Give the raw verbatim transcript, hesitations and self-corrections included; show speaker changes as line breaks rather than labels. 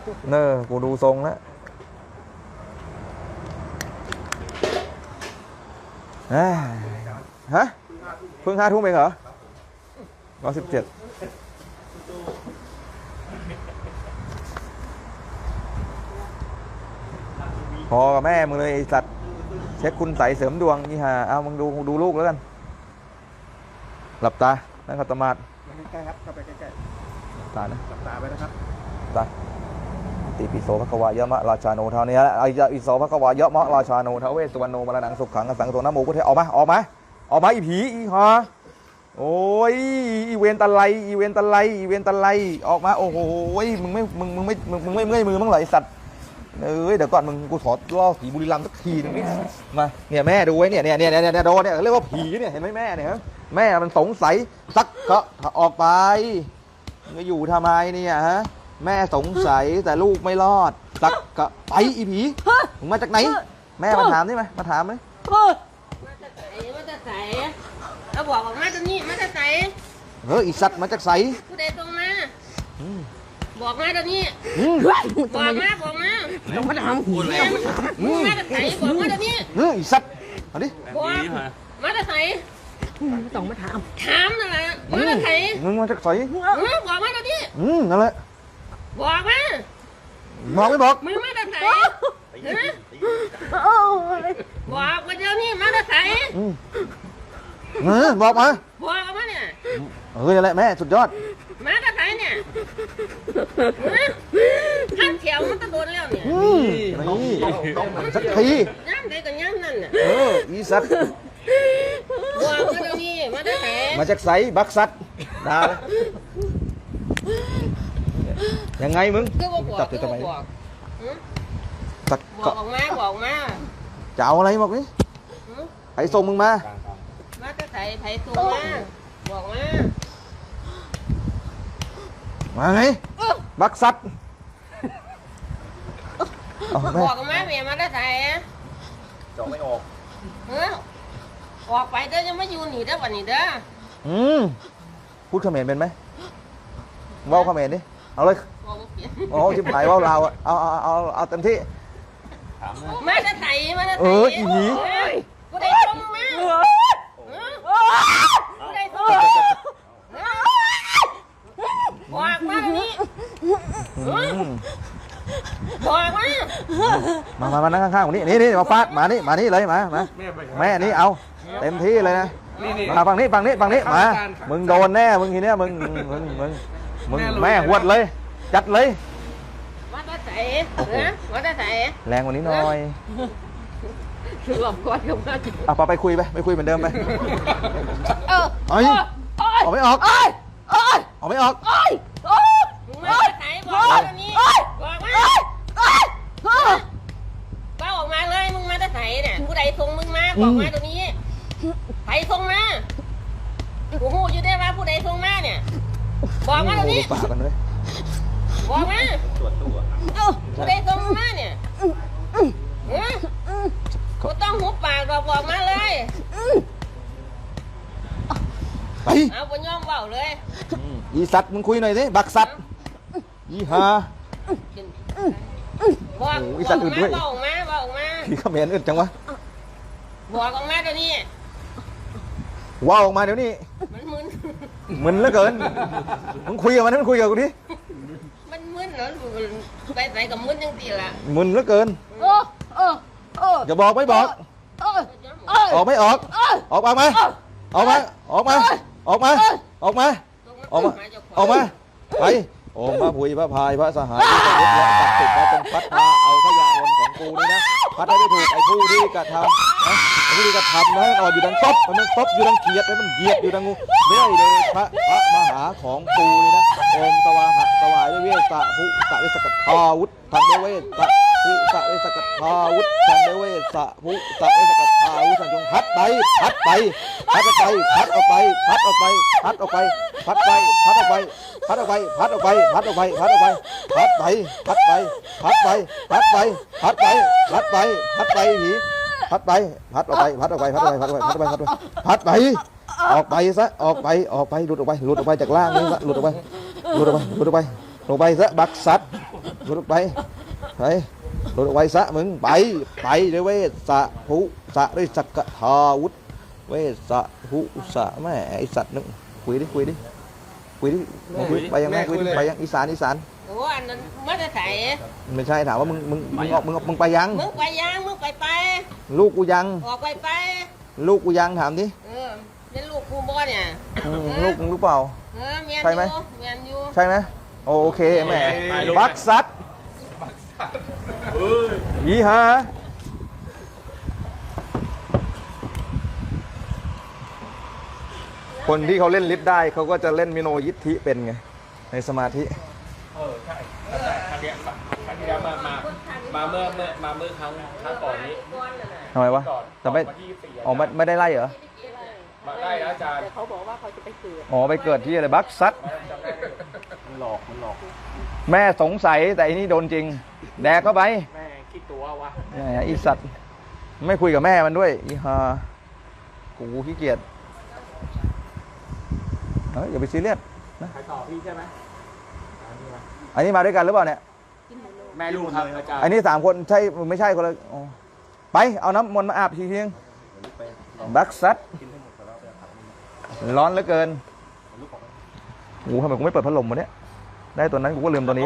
เนอกูดูทรงแล้วฮะเพิ่งห้าทุ่มเองเหรอร้อยสิบเจ็ดพอกับแม่มึงเลยไอ้สัตว์เช็คคุณใสเสริมดวงนี่ฮะเอามึงดูดูลูกแล้วกันหลับตานั่งขัดสมาธิ
ใกล้ๆครับเข้าไปใกล้
หลับตานะ
ๆหลับตาไปนะครับ
ตาติปิโสภควายะมะราชาโนเท่านี้แล้วไอ้อิโสภควายะมะราชาโนเทเวสสุวรรณโนมรณังสุขขังสังโฆนะโมพุทธะออกมาออกมาออกมาอีผีอีฮะโอ้ยอีเวนตะไลอีเวนตะไลอีเวนตะไลออกมาโอ้โหมึงไม่มึงมึงไม่มึงมึงไม่เมื่อยมือมั้งเหรอไอสัตว์เอ้ยเดี๋ยวก่อนมึงกูขอล่อผีบุรีรัมย์สักทีนึงมาเนี่ยแม่ดูไว้เนี่ยเนี่ยเนี่ยเนี่ยโดนเนี่ยเรียกว่าผีเนี่ยเห็นไหมแม่เนี่ยแม่มันสงสัยสักก็ออกไปจะอยู่ทำไมเนี่ยฮะแม่สงสัยแต่ลูกไม่รอดสักก็ไปอีผีมึงมาจากไหนแม่มาถามได้ไหมมาถามไหม
มาจากไหนมาจากไหนเราบอกออกมาตรงนี้มาจากไหน
เฮ้ยอีสัตว์มาจากไส
ผู้ใดตรงมาบอกมาตรงนี้บอกมาบอกมา
ต้องมาถามกู
แล้วมาจากไหนบอกมาตรงนี้
เฮ้ยอีสัตว์เอาดิ
บอกมาจากไหน
ต้องมาถาม
ถามนั่นแหละมาจากไหน
มึงมาจากไส
บอกมาตรงนี้
อืมนั่นแหละ
บอกมา
บอกไม่บอก
มึงมาจากไหนบอกมาเดี๋ยวนี้มาจากไหน
เออบอกมา
บอกมาเนี่ย
เออนั่นแหละแม่สุดยอด
มาจากไหนเนี่ยข้ามแถวมันตะโดนแล้วเนี่ย
นี่สักที
ย่ำใดกับย่ำนั่นน่ะ
เอออีสัตว์
บอกมาเดี๋ยวนี้มาจากไหน
มาจากไสบักสัตว์ด่ายังไงมึง
จับตัวทำไม
สัก
บอกออกมาบอกมา
จะเอาอะไรบอกนี่ไอ้ส่งมึงมา
มาจากไหนไผ่ส่งมาบอกมา
มาไงบักสัตว์
บอกมาเมียมาจากไหน
จอไม่ออก
เออออกไปเด้อยังไม่อยู่หนีเด้อวันนี้เด้อ
อืมพูดเขมรเป็นไหมว่าวเขมรดิเอาเลยโอ้ชิบหายว่าวลาวอ่ะเอาเอาเอาเอาเต็มที่
มาจากไหนมาจากไหน
เอออีหี
กูได้ส่งมากูได้ส่งบอกมาตรงนี้บอกมา
มามามานั่งข้างๆคนนี้นี่นี่มาฟาดมานี่มานี่เลยมามาแม่นี่เอาเต็มที่เลยนะมาฝั่งนี้ฝั่งนี้ฝั่งนี้มามึงโดนแน่มึงทีเนี้ยมึงมึงมึงมึงแม่หวดเลยจัดเลย
มาตาใส่เออมาตาใส่
แรงกว่านี้หน่อย
คือหลบก่อนกับมา
เอาไปไปคุยไปไปคุยเหมือนเดิมไป
เออ
เอ้ยออกไม่ออกออกไม่ออก
มาไหนบอกมาตรงนี้บอกมาป้าออกมาเลยมึงมาไหนเนี่ยผู้ใดส่งมึงมาบอกมาตรงนี้ใครส่งมากูหูอยู่ได้ว่าผู้ใดส่งมาเนี่ยบอกมาตรงนี้
ปากกันเลย
บอกมาผู้ใดส่งมาเนี่ยกูต้องหุบปากบอกบอกมาเลย
ไป
เอาบนย่อมเบาเลย
อีสัตว์มึงคุยหน่อยสิบักสัตว์อีฮา
บอกอีสัตว์อื่นด้วยบอกมาบอกมา
พี่เขมรอื่นจังวะ
บอกออกมาเดี๋ยวนี้
ว้าวออกมาเดี๋ยวนี้
มันมึน
มึนเหลือเกินมึงคุยกับมันมึงคุยกับกูดิ
มันมึนเหรอไปไปกับมึนยังตีละ
มึนเหลือเกินอย่าบอกไม่บอกออกไม่ออกออกมาไหมออกมาออกมาออกมาออกมาออกมาออกมาไปองค์พระพุทธพระพายพระสหายที่จะยึดและศักดิ์สิทธิ์มาจงพัดพาเอาขยะวนของกูนี่นะพัดให้ไม่ถูกไอ้ผู้ที่กระทำนะไอ้ผู้ที่กระทำนะอ่อนอยู่ดังตบมันตบอยู่ดังเกียดให้มันเหยียดอยู่ดังงูไม่ได้เลยพระพระมหาของกูนี่นะโอมตวาหะตวายด้วยเวสสะภุสะเวสกัตถาวุธทางด้วยเวสสะภุสะเวสกัตถาวุธทางด้วยเวสสะภุสะเวสกัตถาวุธจงพัดไปพัดไปพัดออกไปพัดออกไปพัดออกไปพัดออกไปพัดไปพัดออกไปพัดออกไปพัดออกไปพัดออกไปพัดออกไปพัดไปพัดไปพัดไปพัดไปพัดไปพัดไปพัดไปผีพัดไปพัดออกไปพัดออกไปพัดออกไปพัดออกไปพัดออกไปพัดออกไปพัดไปออกไปซะออกไปออกไปหลุดออกไปหลุดออกไปจากล่างนี่ซะหลุดออกไปหลุดออกไปหลุดออกไปลงไปซะบักสัตว์หลุดออกไปไปหลุดออกไปซะมึงไปไปด้วยเวสสะหุสะด้วยสักกะทาวุธเวสสะหุสะแม่ไอสัตว์นึงคุยดิคุยดิคุยดิมาคุยไปยังไงคุยดิไปยังอีสานอีสาน
โอ้อันนั้นมาจะใส่
ไม่ใช่ถามว่ามึงมึงมึงออกมึงมึงไปยัง
มึงไปยังมึงไปไป
ลูกกูยัง
ออกไปไป
ลูกกูยังถามดิ
เออเป็นลูกกูบ่เนี่ย
อืมลูกมึงรู้เปล่า
เออเมียน
ใช่ไหม
อยู่เมียนอยู่
ใช่ไหมโอเคแหมบักซัดยี่ฮะคนที่เขาเล่นลิฟต์ได้เขาก็จะเล่นมิโนยิทธิเป็นไงในสมาธิ
เออใช่ใช่ครั้งเนี้ยครั้งที่แล้วมามามาเมื่อเมื่อมาเมื่อครั้งครั้งก่อนนี้
ทำไมวะ
ก่อน
แต่ไม่
วันที่ยี่สิบสี่
อ๋อไม่ไม่ได้ไล่เหรอ
มาได้แล้วอาจารย์
แต่เขาบอกว่าเขาจะไปเกิด
อ๋อไปเกิดที่อะไรบักซัด
จำได้อยู่มันหลอกมันหลอก
แม่สงสัยแต่อันนี้โดนจริง แดกเข้าไป
แม่คิดตัววะ
แหมอีสัตว์ไม่คุยกับแม่มันด้วยอีฮากูขี้เกียจเฮ้ยอย่าไปซีเรียส
ใครต่อพี่ใช่ไหม
อันนี้มาด้วยกันหรือเปล่าเนี่ย
แม่ลูกครับอาจารย์
อันนี้สามคนใช่ไม่ใช่คนละอ๋อไปเอาน้ำมนต์มาอาบทีเพียงบักซัดร้อนเหลือเกินโอ้โหทำไมกูไม่เปิดพัดลมวะเนี่ยได้ตัวนั้นกูก็ลืมตัวนี้